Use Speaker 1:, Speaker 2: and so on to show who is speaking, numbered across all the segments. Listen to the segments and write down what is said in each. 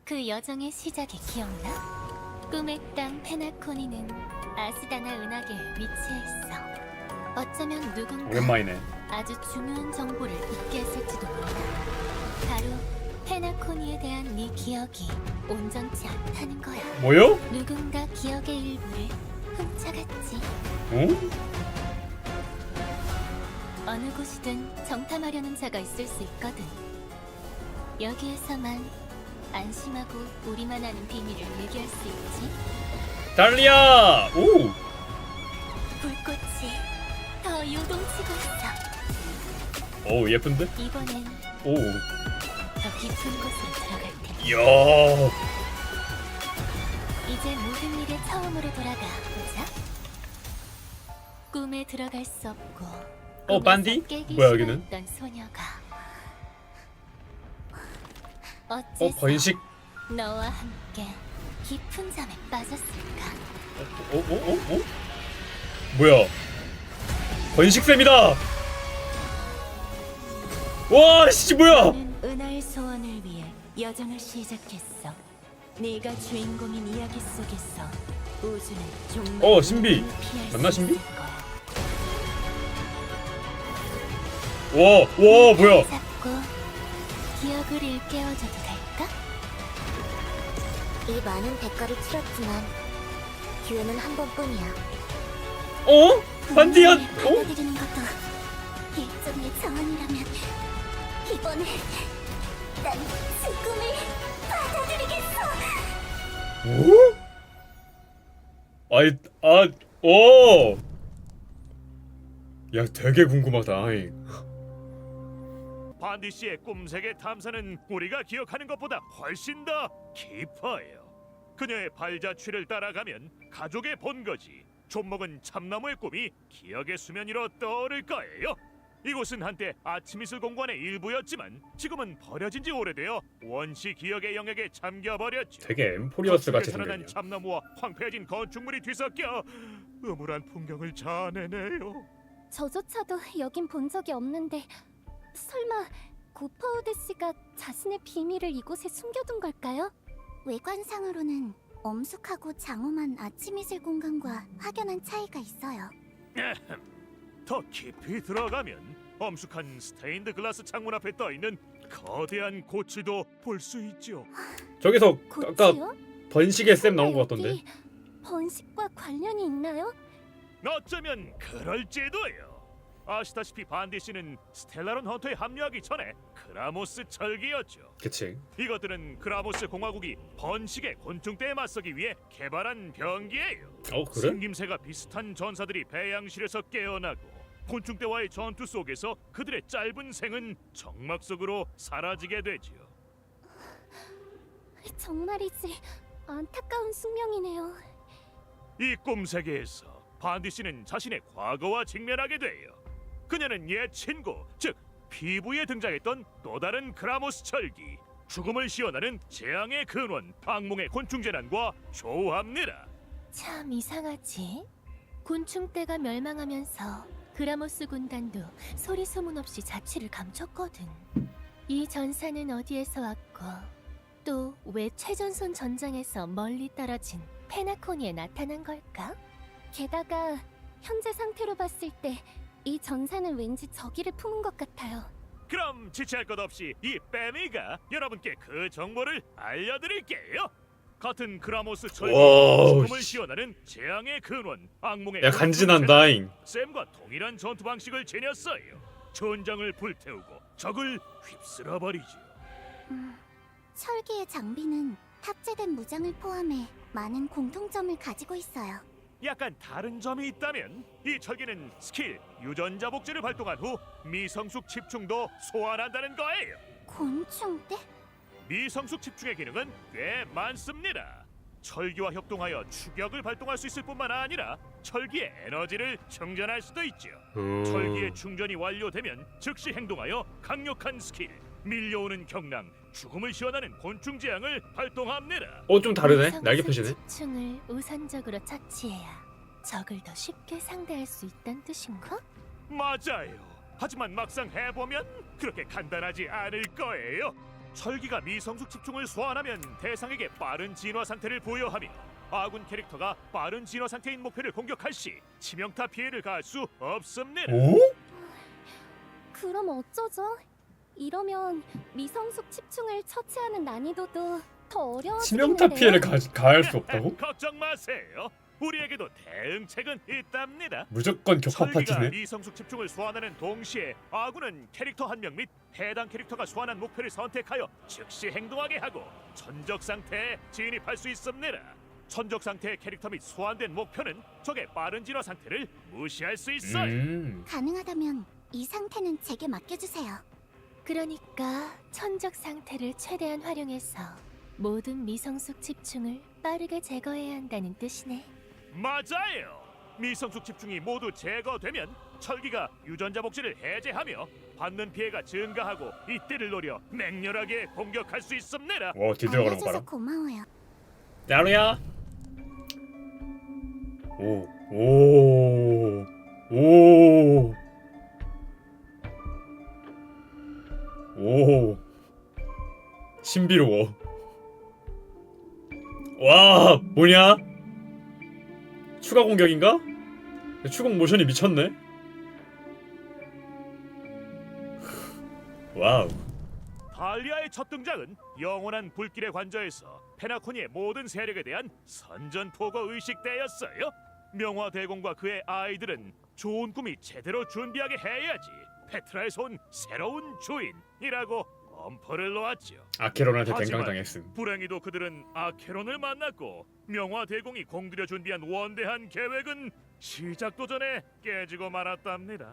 Speaker 1: 그 여정의 시작이 기억나? 꿈의 땅 페나코니는 아스다나 은하계에 위치해 있어. 어쩌면 누군가
Speaker 2: 오랜만이네.
Speaker 1: 아주 중요한 정보를 잊게 했을지도 몰라. 바로 페나코니에 대한 네 기억이 온전치 않다는 거야.
Speaker 2: 뭐요?
Speaker 1: 누군가 기억의 일부를 훔쳐갔지.
Speaker 2: 어?
Speaker 1: 어느 곳이든 정탐하려는 자가 있을 수 있거든. 여기에서만 안심하고 우리만 아는 비밀을 얘기할 수 있지.
Speaker 2: 달리야! 오!
Speaker 1: 불꽃이 더 요동치고 있어.
Speaker 2: 오, 예쁜데?
Speaker 1: 이번엔
Speaker 2: 오.
Speaker 1: 더 깊은 곳으로 들어갈 테니
Speaker 2: 이야.
Speaker 1: 이제 모든 일의 처음으로 돌아가 보자. 꿈에 들어갈 수 없고 꿈에서
Speaker 2: 반디?
Speaker 1: 깨기
Speaker 2: 뭐야, 여기는?
Speaker 1: 싫어했던 소녀가 어째서
Speaker 2: 번식.
Speaker 1: 너와 함께 깊은 잠에 빠졌을까?
Speaker 2: 어? 뭐야? 번식쌤이다! 와, 씨, 뭐야!
Speaker 1: 나는 은하의 소원을 위해 여정을 시작했어. 네가 주인공인 이야기 속에서 우주는 정말
Speaker 2: 신비.
Speaker 1: 모든 피할
Speaker 2: 맞나,
Speaker 1: 수
Speaker 2: 신비?
Speaker 1: 있을 거야.
Speaker 2: 와, 뭐야?
Speaker 1: 잡고 기억을 일깨워줘도 될까?
Speaker 3: 이 많은 대가를 치렀지만 기회는 한 번뿐이야.
Speaker 2: 반디야!
Speaker 3: 받아들이는 것도 일종의 자원이라면 이번에 난 죽음을 받아들이겠어.
Speaker 2: 오! 야, 되게 궁금하다.
Speaker 4: 반디 씨의 꿈세계 탐사는 우리가 기억하는 것보다 훨씬 더 깊어요. 그녀의 발자취를 따라가면 가족의 본거지 좀먹은 참나무의 꿈이 기억의 수면 위로 떠오를 거예요. 이곳은 한때 아침이슬 공관의 일부였지만 지금은 버려진 지 오래되어 원시 기억의 영역에 잠겨버렸죠.
Speaker 2: 되게 엠포리어스 같이
Speaker 4: 살아난
Speaker 2: 생겼냐.
Speaker 4: 참나무와 황폐해진 건축물이 뒤섞여 음울한 풍경을 자아내네요.
Speaker 3: 저조차도 여긴 본 적이 없는데 설마 고파우드 씨가 자신의 비밀을 이곳에 숨겨둔 걸까요? 외관상으로는 엄숙하고 장엄한 아침이슬 공간과 확연한 차이가 있어요.
Speaker 4: 더 깊이 들어가면 엄숙한 스테인드 글라스 창문 앞에 떠있는 거대한 고치도 볼 수 있죠.
Speaker 2: 저기서 아까
Speaker 3: 고치요?
Speaker 2: 번식의 쌤 나온 것
Speaker 3: 여기
Speaker 2: 같던데.
Speaker 3: 번식과 관련이 있나요?
Speaker 4: 어쩌면 그럴지도요. 아시다시피 반디 씨는 스텔라론 헌터에 합류하기 전에 크라모스 철기였죠.
Speaker 2: 그치.
Speaker 4: 이것들은 크라모스 공화국이 번식의 곤충대에 맞서기 위해 개발한 병기예요.
Speaker 2: 그래?
Speaker 4: 생김새가 비슷한 전사들이 배양실에서 깨어나고 곤충대와의 전투 속에서 그들의 짧은 생은 정막 속으로 사라지게 되지요.
Speaker 3: 정말이지 안타까운 숙명이네요.
Speaker 4: 이 꿈 세계에서 반디 씨는 자신의 과거와 직면하게 돼요. 그녀는 옛 친구, 즉 피부에 등장했던 또 다른 크라모스 철기, 죽음을 시연하는 재앙의 근원, 악몽의 곤충 재난과 조합니다.
Speaker 1: 참 이상하지. 곤충떼가 멸망하면서 그라모스 군단도 소리 소문 없이 자취를 감췄거든. 이 전사는 어디에서 왔고 또 왜 최전선 전장에서 멀리 떨어진 페나코니에 나타난 걸까?
Speaker 3: 게다가 현재 상태로 봤을 때 이 전사는 왠지 저기를 품은 것 같아요.
Speaker 4: 그럼 지체할 것 없이 이 빼미가 여러분께 그 정보를 알려드릴게요. 같은 크라모스 철기,
Speaker 2: 와우,
Speaker 4: 죽음을 시연하는 재앙의 근원, 악몽의
Speaker 2: 야, 간지난다잉.
Speaker 4: 샘과 동일한 전투 방식을 지녔어요. 전장을 불태우고 적을 휩쓸어 버리죠.
Speaker 3: 철기의 장비는 탑재된 무장을 포함해 많은 공통점을 가지고 있어요.
Speaker 4: 약간 다른 점이 있다면 이 철기는 스킬 유전자 복제를 발동한 후 미성숙 집중도 소환한다는 거예요.
Speaker 3: 곤충대?
Speaker 4: 미성숙 집중의 기능은 꽤 많습니다. 철기와 협동하여 추격을 발동할 수 있을 뿐만 아니라 철기의 에너지를 충전할 수도 있죠. 철기의 충전이 완료되면 즉시 행동하여 강력한 스킬, 밀려오는 경랑, 죽음을 시원하는 곤충 재앙을 발동합니다.
Speaker 2: 좀 다르네.
Speaker 1: 미성숙
Speaker 2: 날개 표시네.
Speaker 1: 집중을 우선적으로 처치해야 적을 더 쉽게 상대할 수 있다는 뜻인가?
Speaker 4: 맞아요. 하지만 막상 해보면 그렇게 간단하지 않을 거예요. 철기가 미성숙 집중을 소환하면 대상에게 빠른 진화 상태를 부여하며 아군 캐릭터가 빠른 진화 상태인 목표를 공격할 시 치명타 피해를 가할 수 없습니다.
Speaker 2: 오?
Speaker 3: 그럼 어쩌죠? 이러면 미성숙 집중을 처치하는 난이도도 더 어려워지겠는데요?
Speaker 2: 치명타 피해를 가할 수 없다고?
Speaker 4: 걱정 마세요. 우리에게도 대응책은 있답니다.
Speaker 2: 무조건 격파
Speaker 4: 철기가
Speaker 2: 파티네.
Speaker 4: 미성숙 집중을 소환하는 동시에 아군은 캐릭터 한 명 및 해당 캐릭터가 소환한 목표를 선택하여 즉시 행동하게 하고 천적 상태에 진입할 수 있습니다. 천적 상태의 캐릭터 및 소환된 목표는 적의 빠른 진화 상태를 무시할 수 있어요.
Speaker 3: 가능하다면 이 상태는 제게 맡겨주세요.
Speaker 1: 그러니까 천적 상태를 최대한 활용해서 모든 미성숙 집중을 빠르게 제거해야 한다는 뜻이네.
Speaker 4: 맞아요. 미성숙 집중이 모두 제거되면 철기가 유전자 복제를 해제하며 받는 피해가 증가하고 이때를 노려 맹렬하게 공격할 수 있습니다.
Speaker 2: 와 뒤들어가는 거
Speaker 3: 알려줘서
Speaker 2: 봐라.
Speaker 3: 고마워요.
Speaker 2: 야루야. 오. 오. 오. 오. 신비로워. 와, 뭐냐? 추가 공격인가? 추공 모션이 미쳤네. 와우.
Speaker 4: 달리아의 첫 등장은 영원한 불길의 관저에서 페나코니의 모든 세력에 대한 선전포고 의식대였어요. 명화대공과 그의 아이들은 좋은 꿈이 제대로 준비하게 해야지 페트라에서 온 새로운 주인이라고 엄포를 놓았죠.
Speaker 2: 아케론한테
Speaker 4: 하지만
Speaker 2: 댕강당했음.
Speaker 4: 불행히도 그들은 아케론을 만났고 명화대공이 공들여 준비한 원대한 계획은 시작도 전에 깨지고 말았답니다.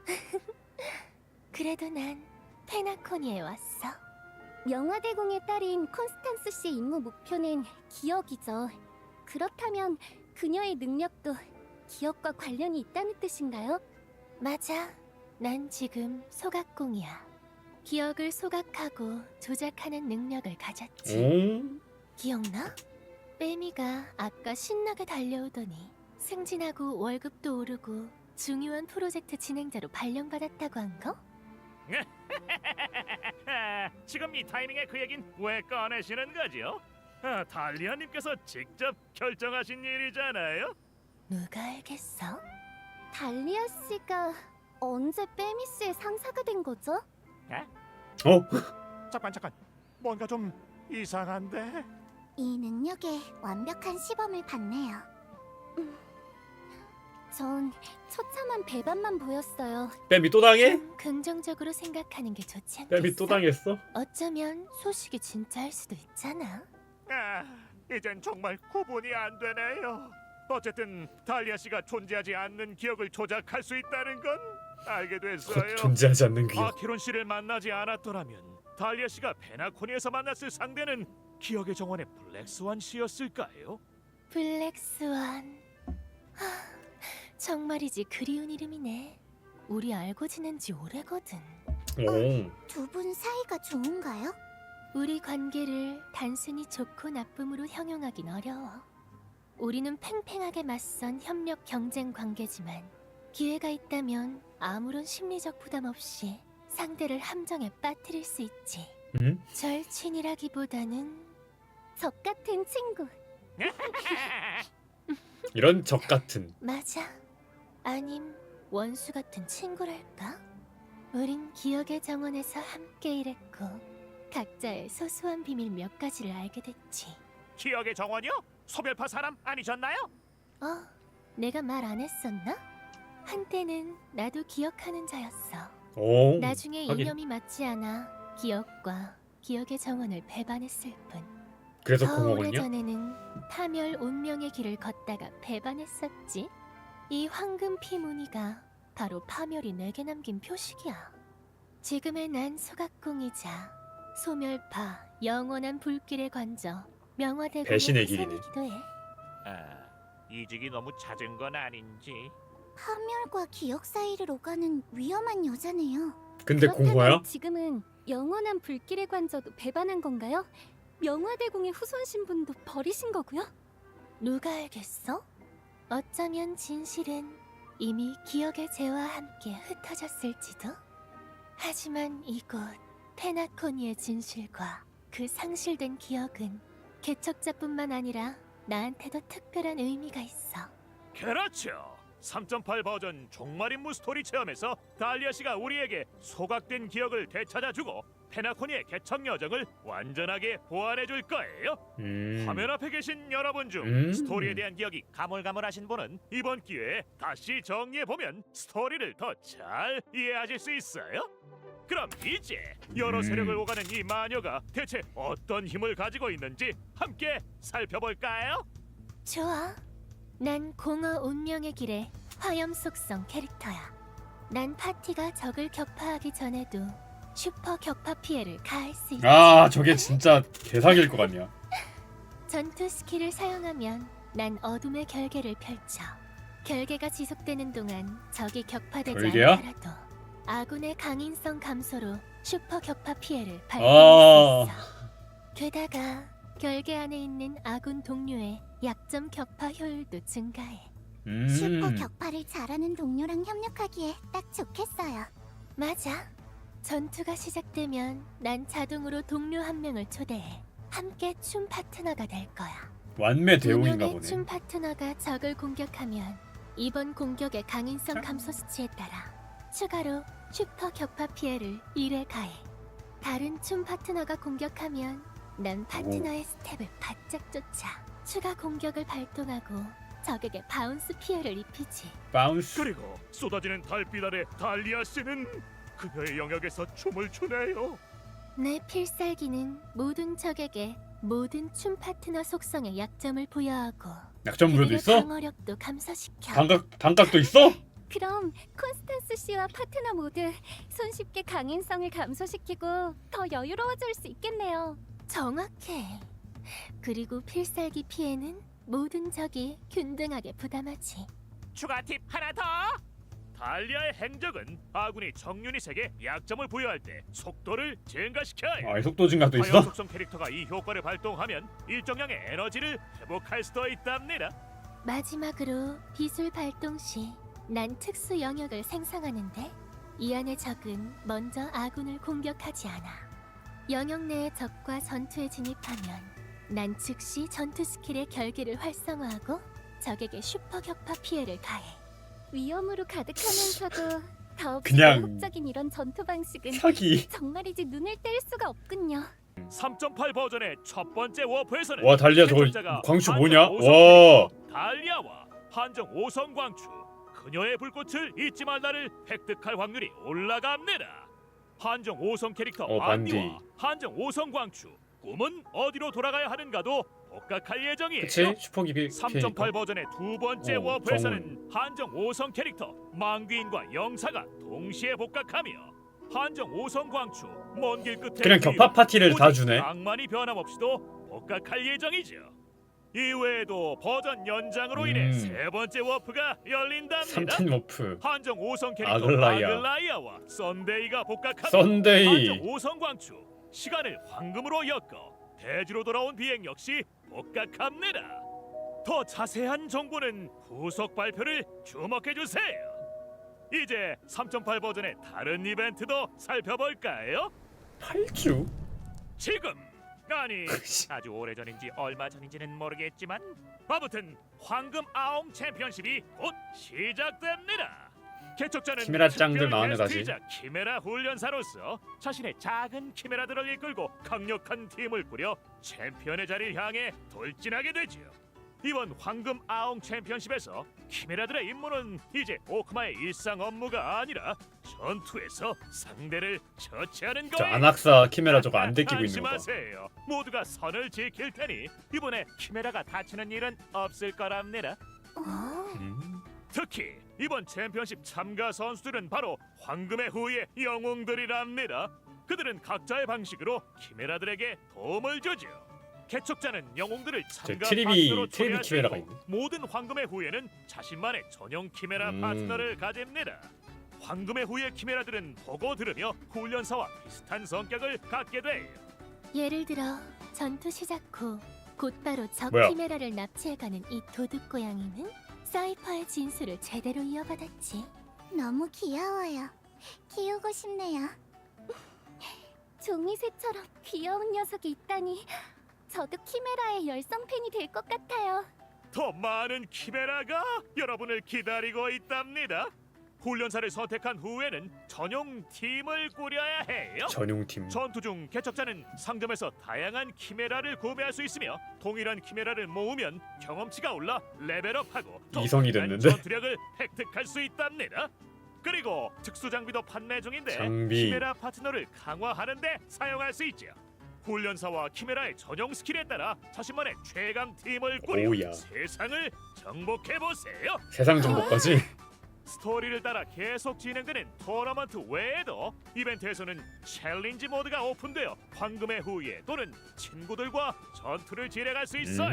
Speaker 1: 그래도 난 페나코니에 왔어.
Speaker 3: 명화대공의 딸인 콘스탄스 씨의 임무 목표는 기억이죠. 그렇다면 그녀의 능력도 기억과 관련이 있다는 뜻인가요?
Speaker 1: 맞아. 난 지금 소각공이야. 기억을 소각하고 조작하는 능력을 가졌지.
Speaker 2: 오?
Speaker 1: 기억나? 빼미가 아까 신나게 달려오더니 승진하고 월급도 오르고 중요한 프로젝트 진행자로 발령받았다고 한 거?
Speaker 4: 지금 이 타이밍에 그 얘긴 왜 꺼내시는 거죠? 달리아님께서 직접 결정하신 일이잖아요.
Speaker 1: 누가 알겠어?
Speaker 3: 달리아 씨가 언제 빼미 씨의 상사가 된 거죠?
Speaker 2: 어?
Speaker 4: 잠깐 뭔가 좀 이상한데?
Speaker 3: 이 능력에 완벽한 시범을 봤네요. 전 처참한 배반만 보였어요.
Speaker 2: 뺨이 또 당해?
Speaker 1: 좀 긍정적으로 생각하는 게 좋지 않겠어?
Speaker 2: 뺨이 또 당했어?
Speaker 1: 어쩌면 소식이 진짜일 수도 있잖아.
Speaker 4: 이젠 정말 구분이 안 되네요. 어쨌든 달리아 씨가 존재하지 않는 기억을 조작할 수 있다는 건 알게 됐어요.
Speaker 2: 존재하지 않는 귀.
Speaker 4: 아케론 씨를 만나지 않았더라면 달리아 씨가 페나코니에서 만났을 상대는 기억의 정원의 블랙스완 씨였을까요?
Speaker 1: 블랙스완. 정말이지 그리운 이름이네. 우리 알고 지낸 지 오래거든.
Speaker 2: 오.
Speaker 3: 두 분 사이가 좋은가요?
Speaker 1: 우리 관계를 단순히 좋고 나쁨으로 형용하긴 어려워. 우리는 팽팽하게 맞선 협력 경쟁 관계지만 기회가 있다면 아무런 심리적 부담 없이 상대를 함정에 빠뜨릴 수 있지.
Speaker 2: 응?
Speaker 1: 절친이라기보다는
Speaker 3: 적 같은 친구.
Speaker 2: 이런 적 같은.
Speaker 1: 맞아. 아님 원수 같은 친구랄까? 우린 기억의 정원에서 함께 일했고 각자의 소소한 비밀 몇 가지를 알게 됐지.
Speaker 4: 기억의 정원이요? 소별파 사람 아니셨나요?
Speaker 1: 내가 말 안 했었나? 한때는 나도 기억하는 자였어.
Speaker 2: 오.
Speaker 1: 나중에
Speaker 2: 하긴.
Speaker 1: 이념이 맞지 않아 기억과 기억의 정원을 배반했을 뿐.
Speaker 2: 그래서
Speaker 1: 더
Speaker 2: 공허군요?
Speaker 1: 오래전에는 파멸 운명의 길을 걷다가 배반했었지. 이 황금 피무늬가 바로 파멸이 내게 남긴 표식이야. 지금의 난 소각공이자 소멸파 영원한 불길에 관저 명화대공의
Speaker 2: 배신의 길이네.
Speaker 1: 후손이기도 해.
Speaker 4: 이직이 너무 잦은 건 아닌지.
Speaker 3: 파멸과 기억 사이를 오가는 위험한 여자네요.
Speaker 2: 근데
Speaker 3: 그렇다면
Speaker 2: 공허야?
Speaker 3: 지금은 영원한 불길의 관저도 배반한 건가요? 명화대공의 후손 신분도 버리신 거고요?
Speaker 1: 누가 알겠어? 어쩌면 진실은 이미 기억의 재와 함께 흩어졌을지도. 하지만 이곳 페나코니의 진실과 그 상실된 기억은 개척자뿐만 아니라 나한테도 특별한 의미가 있어.
Speaker 4: 그렇죠. 3.8 버전 종말 임무 스토리 체험에서 달리아 씨가 우리에게 소각된 기억을 되찾아주고 페나코니의 개척 여정을 완전하게 보완해 줄 거예요. 화면 앞에 계신 여러분 중 스토리에 대한 기억이 가물가물하신 분은 이번 기회에 다시 정리해 보면 스토리를 더 잘 이해하실 수 있어요. 그럼 이제 여러 세력을 오가는 이 마녀가 대체 어떤 힘을 가지고 있는지 함께 살펴볼까요?
Speaker 1: 좋아. 난 공허 운명의 길의 화염 속성 캐릭터야. 난 파티가 적을 격파하기 전에도 슈퍼 격파 피해를 가할 수 있지.
Speaker 2: 아 저게 진짜 개사기일 것 같냐.
Speaker 1: 전투 스킬을 사용하면 난 어둠의 결계를 펼쳐. 결계가 지속되는 동안 적이 격파되지
Speaker 2: 결계야?
Speaker 1: 않더라도 아군의 강인성 감소로 슈퍼 격파 피해를
Speaker 2: 아.
Speaker 1: 발생할 수 있어. 게다가 결계 안에 있는 아군 동료의 약점 격파 효율도 증가해.
Speaker 3: 슈퍼 격파를 잘하는 동료랑 협력하기에 딱 좋겠어요.
Speaker 1: 맞아. 전투가 시작되면 난 자동으로 동료 한 명을 초대해. 함께 춤 파트너가 될 거야.
Speaker 2: 완매
Speaker 1: 두
Speaker 2: 대용인가
Speaker 1: 명의
Speaker 2: 보네.
Speaker 1: 춤 파트너가 적을 공격하면 이번 공격의 강인성 감소 수치에 따라 추가로 슈퍼 격파 피해를 1회 가해. 다른 춤 파트너가 공격하면 난 파트너의 스텝을 바짝 쫓아 추가 공격을 발동하고 적에게 바운스 피해를 입히지.
Speaker 2: 바운스.
Speaker 4: 그리고 쏟아지는 달빛 아래 달리아 씨는 그녀의 영역에서 춤을 추네요.
Speaker 1: 내 필살기는 모든 적에게 모든 춤 파트너 속성의 약점을 부여하고
Speaker 2: 약점 부여도
Speaker 1: 그들의
Speaker 2: 있어?
Speaker 1: 방어력도 감소시켜.
Speaker 2: 단각도 있어?
Speaker 3: 그럼 콘스탄스 씨와 파트너 모두 손쉽게 강인성을 감소시키고 더 여유로워질 수 있겠네요.
Speaker 1: 정확해. 그리고 필살기 피해는 모든 적이 균등하게 부담하지.
Speaker 4: 추가 팁 하나 더. 달리아의 행적은 아군이 적 유닛에게 약점을 부여할 때 속도를 증가시켜요.
Speaker 2: 아 속도 증가도
Speaker 4: 화염
Speaker 2: 있어?
Speaker 4: 속성 캐릭터가 이 효과를 발동하면 일정량의 에너지를 회복할 수도 있답니다.
Speaker 1: 마지막으로 비술 발동 시 난 특수 영역을 생성하는데 이 안의 적은 먼저 아군을 공격하지 않아. 영역 내의 적과 전투에 진입하면 난 즉시 전투 스킬의 결계를 활성화하고 적에게 슈퍼 격파 피해를 가해.
Speaker 3: 위험으로 가득하면서도 더없이
Speaker 2: 그냥
Speaker 3: 매혹적인 이런 전투 방식은
Speaker 2: 사기.
Speaker 3: 정말이지 눈을 뗄 수가 없군요.
Speaker 4: 3.8 버전의 첫 번째 워프에서는
Speaker 2: 와 달리아 저거
Speaker 4: 개척자가
Speaker 2: 광추
Speaker 4: 한정
Speaker 2: 뭐냐?
Speaker 4: 5성
Speaker 2: 와.
Speaker 4: 캐릭터 달리아와 한정 5성 광추 그녀의 불꽃을 잊지 말라를 획득할 확률이 올라갑니다. 한정 5성 캐릭터
Speaker 2: 반디.
Speaker 4: 반디와 한정 5성 광추 꿈은 어디로 돌아가야 하는가도 복각할 예정이에요.
Speaker 2: 그치? 슈퍼기
Speaker 4: 3.8 버전의 두 번째
Speaker 2: 오,
Speaker 4: 워프에서는 한정 5성 캐릭터 망귀인과 영사가 동시에 복각하며 한정 5성 광추 먼 길 끝에
Speaker 2: 그냥 격파 파티를 다 주네.
Speaker 4: 낭만이 변함없이도 복각할 예정이죠. 이외에도 버전 연장으로 인해 세 번째 워프가 열린답니다.
Speaker 2: 3탄 워프.
Speaker 4: 한정 5성 캐릭터
Speaker 2: 아글라이아.
Speaker 4: 아글라이아와 썬데이가 복각하며
Speaker 2: 썬데이.
Speaker 4: 한정 5성 광추 시간을 황금으로 엮어 대지로 돌아온 비행 역시 복각합니다. 더 자세한 정보는 후속 발표를 주목해 주세요. 이제 3.8 버전의 다른 이벤트도 살펴볼까요?
Speaker 2: 8주?
Speaker 4: 지금 아니 아주 오래전인지 얼마 전인지는 모르겠지만 아무튼 황금 아웅 챔피언십이 곧 시작됩니다. 개척자는
Speaker 2: 키메라 짱들
Speaker 4: 특별
Speaker 2: 나왔네, 다시.
Speaker 4: 게스트이자 키메라 훈련사로서 자신의 작은 키메라들을 이끌고 강력한 팀을 꾸려 챔피언의 자리를 향해 돌진하게 되지요. 이번 황금 아웅 챔피언십에서 키메라들의 임무는 이제 오크마의 일상 업무가 아니라 전투에서 상대를 처치하는
Speaker 2: 저
Speaker 4: 거예요.
Speaker 2: 안악사 키메라 저거 안 데끼고 있는 거 봐.
Speaker 4: 안심하세요. 모두가 선을 지킬 테니 이번에 키메라가 다치는 일은 없을 거랍니다. 특히 이번 챔피언십 참가 선수들은 바로 황금의 후예 영웅들이랍니다. 그들은 각자의 방식으로 키메라들에게 도움을 주죠. 개척자는 영웅들을 참가 파트너로 초대할 수
Speaker 2: 키메라가
Speaker 4: 있고
Speaker 2: 있네.
Speaker 4: 모든 황금의 후예는 자신만의 전용 키메라 파트너를 가집니다. 황금의 후예 키메라들은 보고 들으며 훈련사와 비슷한 성격을 갖게 돼요.
Speaker 1: 예를 들어 전투 시작 후 곧바로 적
Speaker 2: 뭐야?
Speaker 1: 키메라를 납치해가는 이 도둑 고양이는 사이퍼의 진수를 제대로 이어받았지.
Speaker 3: 너무 귀여워요. 키우고 싶네요. 종이새처럼 귀여운 녀석이 있다니. 저도 키메라의 열성 팬이 될 것 같아요.
Speaker 4: 더 많은 키메라가 여러분을 기다리고 있답니다. 훈련사를 선택한 후에는 전용 팀을 꾸려야 해요.
Speaker 2: 전용팀.
Speaker 4: 전투 중 개척자는 상점에서 다양한 키메라를 구매할 수 있으며 동일한 키메라를 모으면 경험치가 올라 레벨업하고 더
Speaker 2: 이성이
Speaker 4: 강한
Speaker 2: 됐는데?
Speaker 4: 전투력을 획득할 수 있답니다. 그리고 특수 장비도 판매 중인데
Speaker 2: 장비.
Speaker 4: 키메라 파트너를 강화하는 데 사용할 수 있죠. 훈련사와 키메라의 전용 스킬에 따라 자신만의 최강 팀을 꾸려
Speaker 2: 오우야.
Speaker 4: 세상을 정복해 보세요.
Speaker 2: 세상 정보까지.
Speaker 4: 스토리를 따라 계속 진행되는 토너먼트 외에도 이벤트에서는 챌린지 모드가 오픈되어 황금의 후예 또는 친구들과 전투를 진행할 수 있어요.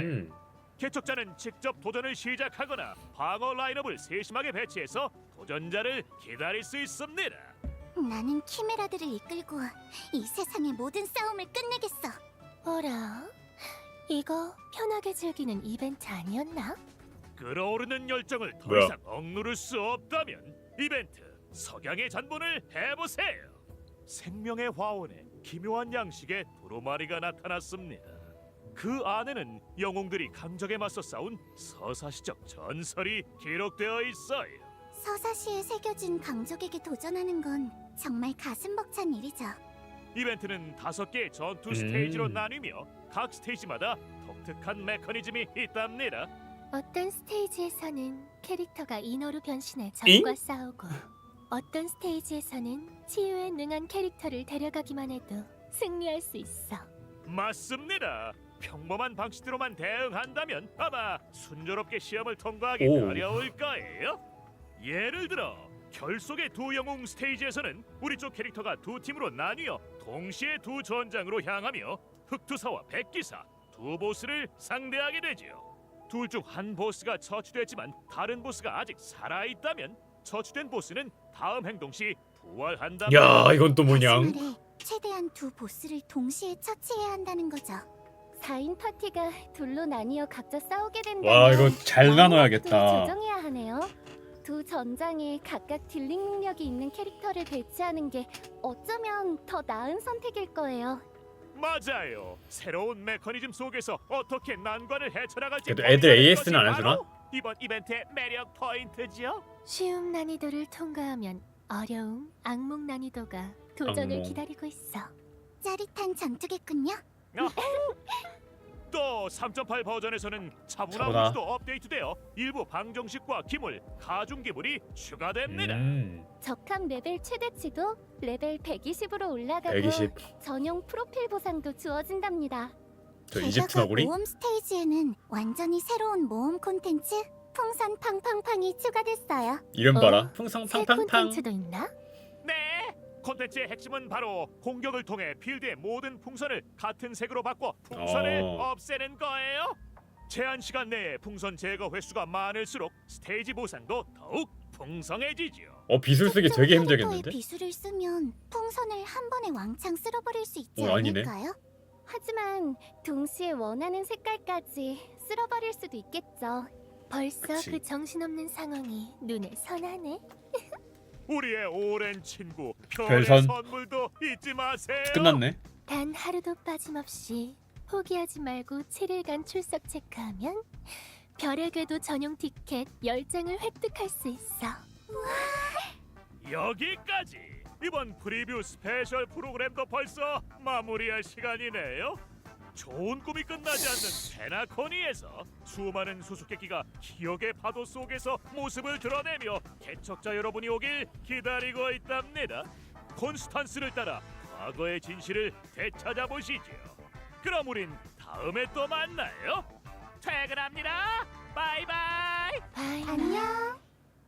Speaker 4: 개척자는 직접 도전을 시작하거나 방어 라인업을 세심하게 배치해서 도전자를 기다릴 수 있습니다.
Speaker 3: 나는 키메라들을 이끌고 이 세상의 모든 싸움을 끝내겠어.
Speaker 1: 어라? 이거 편하게 즐기는 이벤트 아니었나?
Speaker 4: 끓어오르는 열정을 더
Speaker 2: 뭐야?
Speaker 4: 이상 억누를 수 없다면 이벤트 석양의 잔본을 해보세요. 생명의 화원에 기묘한 양식의 두루마리가 나타났습니다. 그 안에는 영웅들이 강적에 맞서 싸운 서사시적 전설이 기록되어 있어요.
Speaker 3: 서사시에 새겨진 강족에게 도전하는 건 정말 가슴 벅찬 일이죠.
Speaker 4: 이벤트는 5개의 전투 스테이지로 나뉘며 각 스테이지마다 독특한 메커니즘이 있답니다.
Speaker 1: 어떤 스테이지에서는 캐릭터가 인어로 변신해 적과 싸우고 어떤 스테이지에서는 치유에 능한 캐릭터를 데려가기만 해도 승리할 수 있어.
Speaker 4: 맞습니다. 평범한 방식대로만 대응한다면 아마 순조롭게 시험을 통과하기
Speaker 2: 오.
Speaker 4: 어려울 거예요. 예를 들어 결속의 두 영웅 스테이지에서는 우리 쪽 캐릭터가 두 팀으로 나뉘어 동시에 두 전장으로 향하며 흑투사와 백기사 두 보스를 상대하게 되지요. 둘 중 한 보스가 처치됐지만 다른 보스가 아직 살아있다면 처치된 보스는 다음 행동 시 부활한다.
Speaker 2: 야, 이건 또 뭐냐?
Speaker 3: 다시 말해 최대한 두 보스를 동시에 처치해야 한다는 거죠. 4인 파티가 둘로 나뉘어 각자 싸우게 된다면
Speaker 2: 와, 이거 잘 나눠야겠다.
Speaker 3: 조정해야 하네요. 두 전장에 각각 딜링 능력이 있는 캐릭터를 배치하는 게 어쩌면 더 나은 선택일 거예요.
Speaker 4: 맞아요. 새로운 메커니즘 속에서 어떻게 난관을 헤쳐나갈지
Speaker 2: 그래도 애들
Speaker 4: 고민하는
Speaker 2: AS는 안
Speaker 4: 것이
Speaker 2: 해주나?
Speaker 4: 바로 이번 이벤트의 매력 포인트죠.
Speaker 1: 쉬움 난이도를 통과하면 어려움, 악몽 난이도가 도전을
Speaker 2: 악몽.
Speaker 1: 기다리고 있어.
Speaker 3: 짜릿한 전투겠군요.
Speaker 4: 또 3.8 버전에서는 차분한
Speaker 2: 차분하.
Speaker 4: 우주도 업데이트되어 일부 방정식과 기물, 가중 기물이 추가됩니다.
Speaker 3: 적합 레벨 최대치도 레벨 120으로 올라가고
Speaker 2: 120.
Speaker 3: 전용 프로필 보상도 주어진답니다.
Speaker 2: 저 이집트 너구리?
Speaker 3: 모험 스테이지에는 완전히 새로운 모험 콘텐츠 풍선 팡팡팡이 추가됐어요.
Speaker 2: 이름
Speaker 1: 어?
Speaker 2: 봐라. 풍성
Speaker 1: 새
Speaker 2: 팡팡팡.
Speaker 1: 콘텐츠도 있나?
Speaker 4: 네, 콘텐츠의 핵심은 바로 공격을 통해 필드의 모든 풍선을 같은 색으로 바꿔 풍선을 없애는 거예요. 제한 시간 내에 풍선 제거 횟수가 많을수록 스테이지 보상도 더욱 풍성해지죠.
Speaker 2: 비술 쓰기 되게
Speaker 3: 특정 캐릭터의
Speaker 2: 힘들겠는데?
Speaker 3: 비수를 쓰면 풍선을 한 번에 왕창 쓸어버릴 수 있지
Speaker 2: 아니네.
Speaker 3: 않을까요? 하지만 동시에 원하는 색깔까지 쓸어버릴 수도 있겠죠.
Speaker 1: 벌써
Speaker 2: 그치.
Speaker 1: 그 정신없는 상황이 눈에 선하네.
Speaker 4: 우리의 오랜 친구
Speaker 2: 별선.
Speaker 4: 별의 선물도 잊지 마세요.
Speaker 2: 끝났네.
Speaker 1: 단 하루도 빠짐없이 포기하지 말고 7일간 출석 체크하면 별의 궤도 전용 티켓 10장을 획득할 수 있어.
Speaker 4: 여기까지. 이번 프리뷰 스페셜 프로그램도 벌써 마무리할 시간이네요. 좋은 꿈이 끝나지 않는 페나코니에서 수많은 수수께끼가 기억의 파도 속에서 모습을 드러내며 개척자 여러분이 오길 기다리고 있답니다. 콘스탄스를 따라 과거의 진실을 되찾아 보시죠. 그럼 우린 다음에 또 만나요. 퇴근합니다. 바이바이.
Speaker 1: 바이.
Speaker 3: 안녕.